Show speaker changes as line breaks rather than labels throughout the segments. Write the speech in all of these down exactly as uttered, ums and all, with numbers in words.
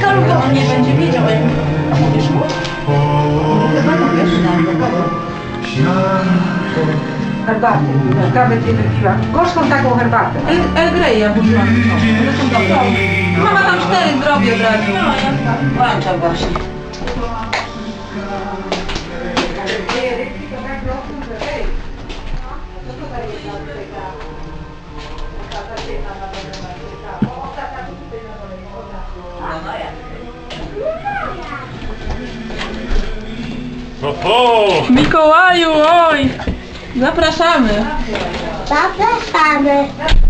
Bo on nie będzie wiedział, jak... A mówisz mu? Chyba mówisz?
Herbatę. Kawę będzie wypiła. Gorzką taką herbatę.
El Grey ja mówiłam. One są dobre. Mama tam cztery zrobi od razu. No, ja włączam właśnie.
Oho!
Mikołaju, oj! Zapraszamy!
Zapraszamy.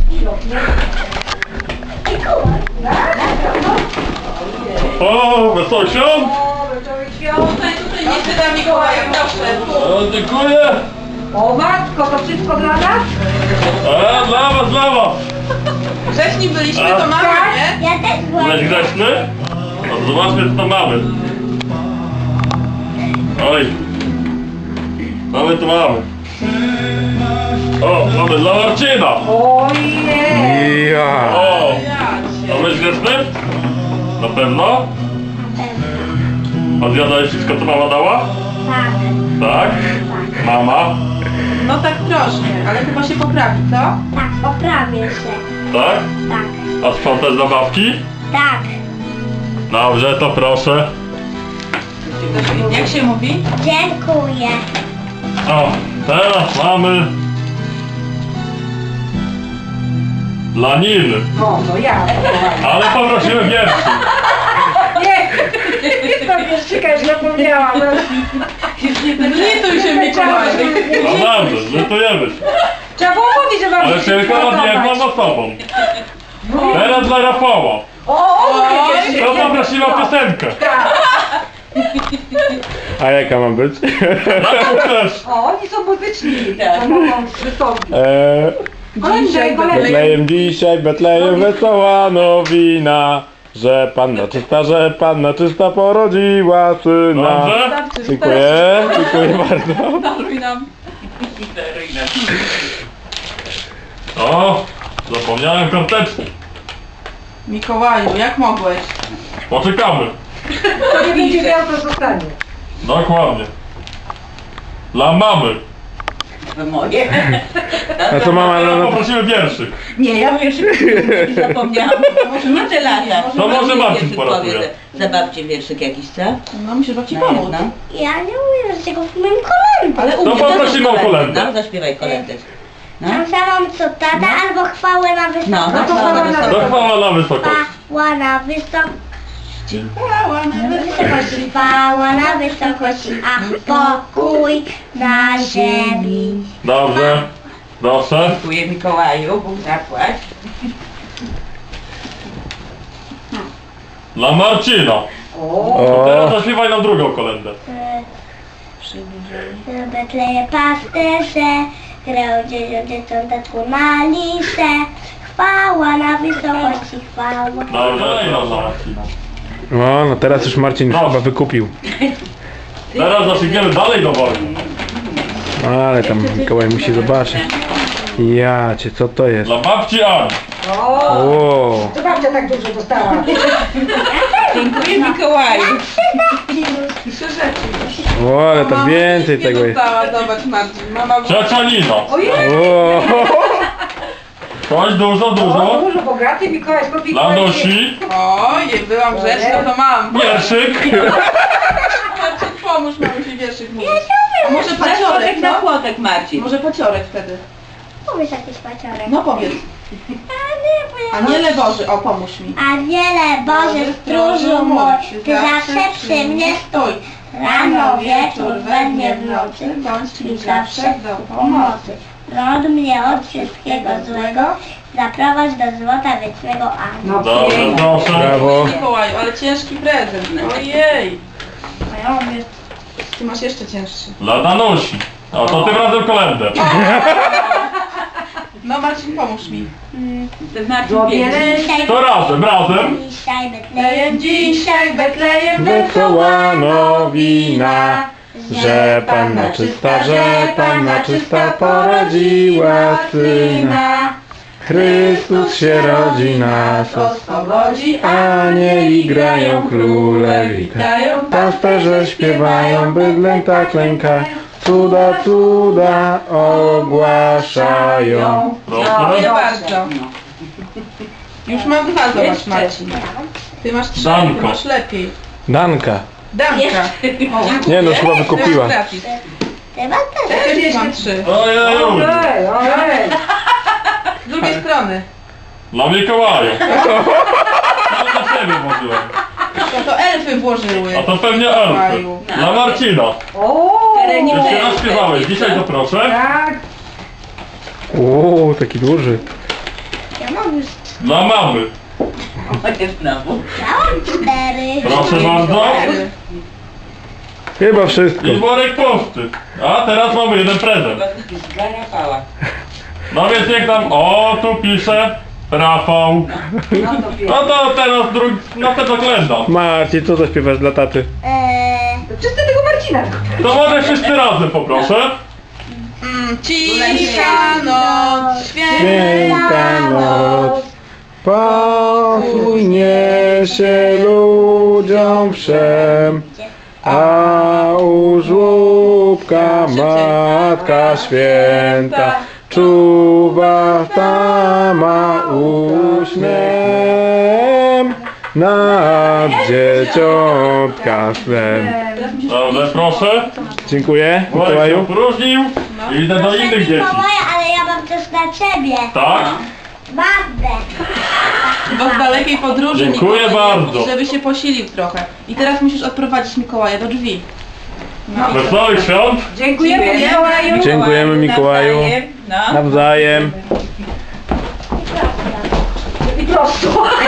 O, wesoły świąt!
Tutaj, tutaj nie się da Mikołaja, proszę.
O, dziękuję!
O matko, to wszystko dla nas?
A, dla was, dla was!
Grzeczni byliśmy, to mamy, nie?
Ja też byłem.
Byłeś grzeczny? No to zobaczmy, co tam mamy. Oj. Co my tu mamy? O, mamy dla Marcina!
Ojej!
Ja.
O! A byłeś grzeczny? Na pewno? A zjadałeś wszystko, co mama dała?
Tak.
Tak? Mama?
No tak troszkę, ale chyba się poprawi, co?
Tak, poprawię się.
Tak?
Tak.
A sprzątasz zabawki?
Tak.
Dobrze, to proszę.
Jak się mówi?
Dziękuję.
O, teraz mamy dla Niny,
O, no ja.
ale poprosimy wierszy.
Nie! To wierszyka już zapomniałam.
Zlituj się, Mikołaju.
No dobrze, żartujemy się.
Trzeba było mówić, że mam
Ale tylko nad jedną osobą. Teraz dla Rafała.
O, o, mówię
To poprosimy o piosenkę.
A jaka ma być?
Taką też.
O, oni są muzyczni. To mogą wystąpić.
Eee,
Kolędzie, kolędzie.
Betlejem dzisiaj, Betlejem wesoła nowina, że Panna czysta, że Panna czysta porodziła syna.
Dobrze?
Dziękuję, dziękuję bardzo.
Daruj nam.
O, zapomniałem karteczki.
Mikołaju, jak mogłeś?
Poczekamy.
To nie będzie miał, to zostanie.
Dokładnie. Dla mamy.
Moje.
A co mama
Teraz
na...
poprosimy wierszyk.
Nie, ja już zapomniałam. Może nie te lata.
To może Marcin
wierszyk
poratuje.
powie, że Zabawcie wierszyk jakiś, co?
No musisz babci
Na
pomóc.
jedno.
Ja nie umiem z tego w moim kolędzie.
Ale
To
umiesz.
poprosimy o kolędę.
No, zaśpiewaj kolędę. No.
Tam samą co tata albo chwałę na wysokość.
No,
No to
chwała
chwała na
wysoka.
Dochwała na wysokość.
Chwała na wysokość.
Chwała na
Wysokości, chwała na wysokości, a pokój na ziemi.
Dobrze. Proszę.
Dziękuję Mikołaju, Bóg zapłać.
Dla Marcina.
O,
Teraz zaśpiewaj nam drugą kolędę.
W Betleje pasterze, grał dzieciąteczku na liście. Chwała na wysokości, chwała.
Dobrze. I dla Marcina.
o, no teraz już Marcin już chyba wykupił.
Teraz zaszygniemy dalej do worka.
No, ale tam Mikołaj musi zobaczyć. Ja cię, co to jest?
Dla babci Ani.
O,
O,
to babcia tak dużo dostała.
Dziękuję Mikołaju.
Trzy rzeczy.
o, ale to więcej tego jest.
Dostała, zobacz Marcin. Mama była...
Ciocia Nina.
Ojej!
O,
Coś dużo,
O,
dużo.
dużo bogaty Mikołaj,
Dla
popikołaj.
Nosi.
Oj, byłam grzeczna, to mam.
Wierszyk.
Marcin, pomóż mamusi wierszyk mówić. A może paciorek,
Płotek na
co?
płotek Marcin.
Może paciorek wtedy.
Powiedz jakiś paciorek.
No powiedz. Aniele Boży, o pomóż mi.
Aniele Boży stróżu mój, Ty zawsze przy mnie stój. Rano, wieczór, we dnie, w nocy, bądź mi zawsze do pomocy. Rod mnie od wszystkiego złego, zaprowadź do złota wiecznego. Amen.
No
Dobrze,
pięknie.
proszę.
brawo.
Mikołaju, ale ciężki prezent. Ojej.
A ja mówię,
Ty masz jeszcze cięższy.
Dla Danusi. A to tym razem kolędę.
No Marcin, pomóż mi.
Marcin
Zrobię
pięknie.
dzisiaj,
To razem, razem.
dzisiaj Betlejem,
Betlejem dzisiaj, Betlejem
Wesoła nowina, że Panna czysta, że Panna czysta porodziła syna. Chrystus się rodzi, nas
oswobodzi,
anieli grają, króle witają, pasterze śpiewają, bydlę tak lękają, cuda, cuda ogłaszają.
Dziękuję
Proszę.
bardzo. Już mam dwa, zobacz Marcin. Ty masz trzy, ty
Danko.
masz lepiej.
Danka.
Danka.
Nie no, chyba wykupiła.
Teraz gratis.
Chyba też.
Ja też mam trzy.
Ojej,
Ojej, ojej.
Z drugiej strony.
dla Mikołaja. Ale dla siebie włożyłem.
To, to elfy włożyły.
A to pewnie elfy.
Mikołaju.
Dla Marcina.
O,
Jeszcze raz śpiewałeś, dzisiaj to proszę.
tak.
O, taki duży.
Ja mam już
Dla mamy.
Znowu.
Miałam cztery.
Proszę bardzo.
Cztery.
Chyba wszystko.
I worek poczty. A teraz mamy jeden prezent. No więc niech tam, o tu pisze Rafał. No to teraz drugi, no to oglądam.
Marcin, co zaśpiewasz dla taty?
Eee,
Czyste tego Marcina.
To może wszyscy razem poproszę.
Mm, Cicha noc, święta
Święta noc, pokój niesie ludziom wszem, a u żłóbka Matka Święta czuwa tama uśmiem nad dzieciątka swem.
Dobrze, proszę.
Dziękuję,
Worek się
Mikołaju.
opróżnił i idę do
proszę
innych dzieci.
Mikołaja, ale ja mam też dla ciebie.
Tak?
Magdę.
Bo z dalekiej podróży
Dziękuję
Mikołaj,
bardzo.
żeby się posilił trochę. I teraz musisz odprowadzić Mikołaja do drzwi. No.
Wesołych świąt.
Dziękujemy Mikołaju.
Dziękujemy Mikołaju.
No.
Nawzajem.
I prosto.